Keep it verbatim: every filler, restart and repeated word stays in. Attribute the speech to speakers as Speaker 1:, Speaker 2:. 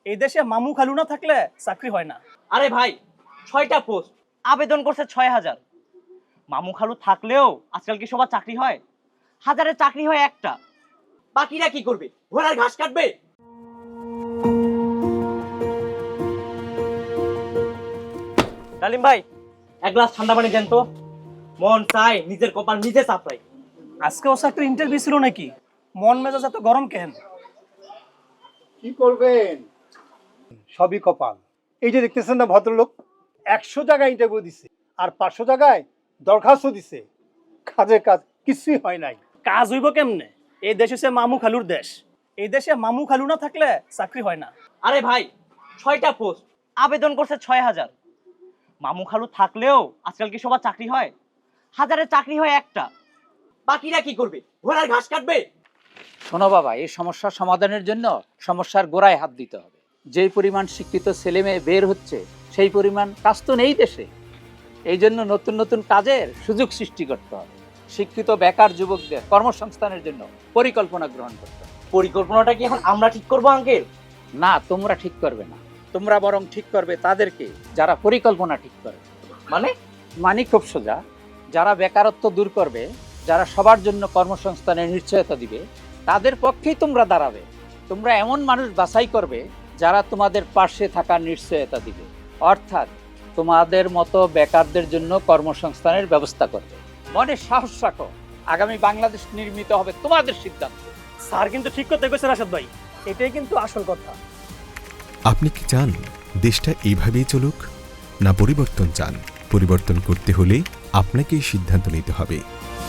Speaker 1: এই দেশে মামু খালু না থাকলে চাকরি হয় না।
Speaker 2: আরে ভাই, ছয়টা পোস্ট, আবেদন করছে ছয় হাজার। মামু খালু থাকলেও আজকাল কি সবার চাকরি হয়? হাজারের চাকরি হয় একটা। বাকিরা কি করবে? ঘোড়ার ঘাস কাটবে। ডালিম ভাই, এক গ্লাস ঠান্ডা পানি দেন তো। মন চাই নিজের কপাল নিজে চাপড়াই।
Speaker 1: আজকে ও চাকরির ইন্টারভিউ ছিল নাকি? মন মেজাজ এত গরম কেন?
Speaker 3: কি করবেন, সবই কপাল। এই যে দেখতেছেন না ভদ্রলোক, একশো জায়গায় ইন্টারভিউ দিছে আর পাঁচশো জায়গায় দরখাস্ত দিছে, কাজের কাজ কিছুই হয় নাই।
Speaker 1: কাজ হইব কেমনে? এই দেশ হচ্ছে মামু খালুর দেশ। এই দেশে মামু খালু না থাকলে চাকরি হয় না।
Speaker 2: আরে ভাই, ছয়টা পোস্ট, আবেদন করছে ছয় হাজার। মামু খালু থাকলেও আজকাল কি সবার চাকরি হয়? হাজারের চাকরি হয় একটা। বাকিরা কি করবে? ঘোড়ার ঘাস কাটবে।
Speaker 4: শোনো বাবা, এই সমস্যার সমাধানের জন্য সমস্যার গোড়ায় হাত দিতে হবে। যেই পরিমাণ শিক্ষিত ছেলে মেয়ে বের হচ্ছে সেই পরিমাণ কাজ তো নেই দেশে। এই জন্য নতুন নতুন কাজের সুযোগ সৃষ্টি করতে হবে। শিক্ষিত বেকার যুবকদের কর্মসংস্থানের জন্য পরিকল্পনা গ্রহণ করতে হবে।
Speaker 2: পরিকল্পনাটা কি এখন আমরা ঠিক করবো আঙ্কেল?
Speaker 4: না, তোমরা ঠিক করবে না, তোমরা বরং ঠিক করবে তাদেরকে যারা পরিকল্পনা ঠিক করবে।
Speaker 2: মানে?
Speaker 4: মানে খুব সোজা, যারা বেকারত্ব দূর করবে, যারা সবার জন্য কর্মসংস্থানের নিশ্চয়তা দিবে, তাদের পক্ষেই তোমরা দাঁড়াবে। তোমরা এমন মানুষ বাছাই করবে যারা তোমাদের পাশে থাকার নিশ্চয়তা দিবে, অর্থাৎ তোমাদের মতো বেকারদের জন্য কর্মসংস্থানের ব্যবস্থা করবে। মনে সাহস রাখো, আগামী বাংলাদেশ নির্মিত হবে তোমাদের সিদ্ধান্ত।
Speaker 1: স্যার কিন্তু ঠিক করতে গেছে রাশেদ ভাই, এটাই কিন্তু আসল কথা।
Speaker 5: আপনি কি চান দেশটা এইভাবেই চলুক, না পরিবর্তন চান? পরিবর্তন করতে হলে আপনাকেই সিদ্ধান্ত নিতে হবে।